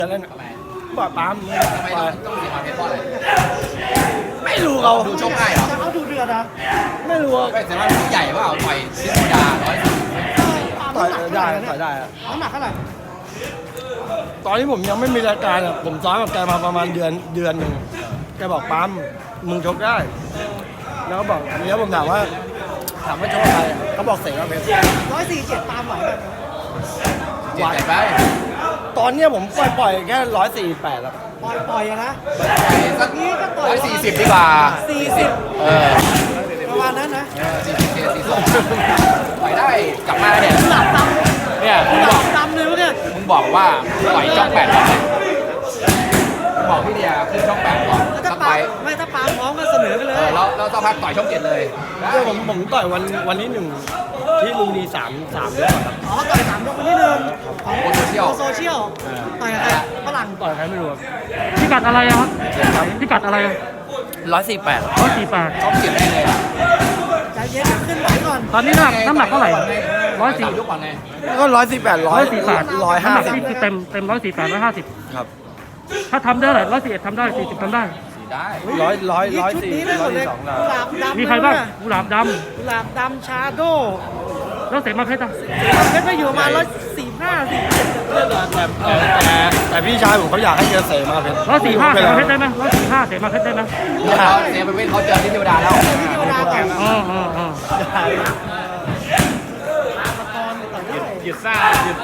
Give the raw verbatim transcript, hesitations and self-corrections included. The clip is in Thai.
จะเล่นปล่อยปั๊มทำไมต้องต้องเสียความเพชรเพราะอะไรไม่รู้เราดูชกง่ายเหรอแต่เขาดูเดือดนะไม่รู้ว่าไม่แต่ว่าผู้ใหญ่ว่าต่อยซิโนดาร้อยต่อยได้ต่อยได้อะน้ำหนักเท่าไหร่ตอนที่ผมยังไม่มีรายการอะผมซ้อมกับแกมาประมาณเดือนเดือนหนึ่งแกบอกปั๊มมึงชกได้ แล้วก็บอกแล้วผมถามว่าถามว่าชกอะไรเขาบอกเสกว่าเพชรร้อยสี่เจ็ดตามไหวแบบเจ็ดใหญ่ไปตอนเนี้ยผมปล่อยปล่อยแค่ร้อยสี่แปดแล้วปล่อยปล่อยอะนะสักนี้ก็ต่อยร้อยสี่สิบดีกว่าสี่สิบเออประมาณนั้นนะสี่สิบเจ็ดสี่สองต่อยได้กลับมาเนี่ยหลับดเนี่ยำมึงหบลัอกบดำเลยเนี่ยมึงบอกว่าต่อยช่องแปดก่อนบอกพี่เดียขึ้นช่องแปดก่อนถ้าสักปาไปไม่ถ้าปาพร้อมก็เสนอไปเลเอย อแล้วแล้วสักพักต่อยช่องเจ็ดเลยเดี๋ยวผมผมต่อยวันวันที่หนึ่งที่ลุงดีสามสามเดือนก่อนครับอ๋อต่อยสามยกคนที่หนึ่งของโซเชียลโซเชียลต่อยกับใครฝรั่งต่อยใครไม่รู้ครับพิกัดอะไรอะครับพิกัดอะไรร้อยสี่แปดร้อยสี่แปดช่องเจ็ดได้เลยใจเย็นเดี๋ยวขึ้นไหวก่อนตอนนี้น้ำหนักน้ำหนักเท่าไหร่ร้อยสี่ลูกก่อนไงก็ร้อยสี่แปดร้อยร้อยสี่แปดร้อยน้ำห้าหนักสิบนี่คือเต็มเต็มร้อยสี่แปดร้อยห้าสิบครับถ้าทำได้เท่าไหร่ร้อยสี่เอ็ดทำได้สี่สิบทำได้สี่ได้ร้อยร้อยนี่ร้อยชุดสี่นี้ได้หมร้อยดเลยสี่สองกุหลาบดำมีใครบ้างเลยนะกุหลาบดกุหลาบดำชาโดำแล้วเสมาเพชรอะเพชรไปอยู่ประมาณร้อยสี่ห้าสี่เจ็ดแต่แต่แต่แต่พี่ชายผมเขาอยากให้เจอเสมาเพชรร้อยสี่ห้าเสไม่มารู้เพป็ชรนได้ไหมร้อยสี่ห้าเสมาเพชรได้ไหมเขาเสียไปเว้นเขาเจอที่เทวดาแล้วที่เทวดาก่อนอ๋ออ๋ออ๋อตอนต่อยได้หยุดซ่าหยุด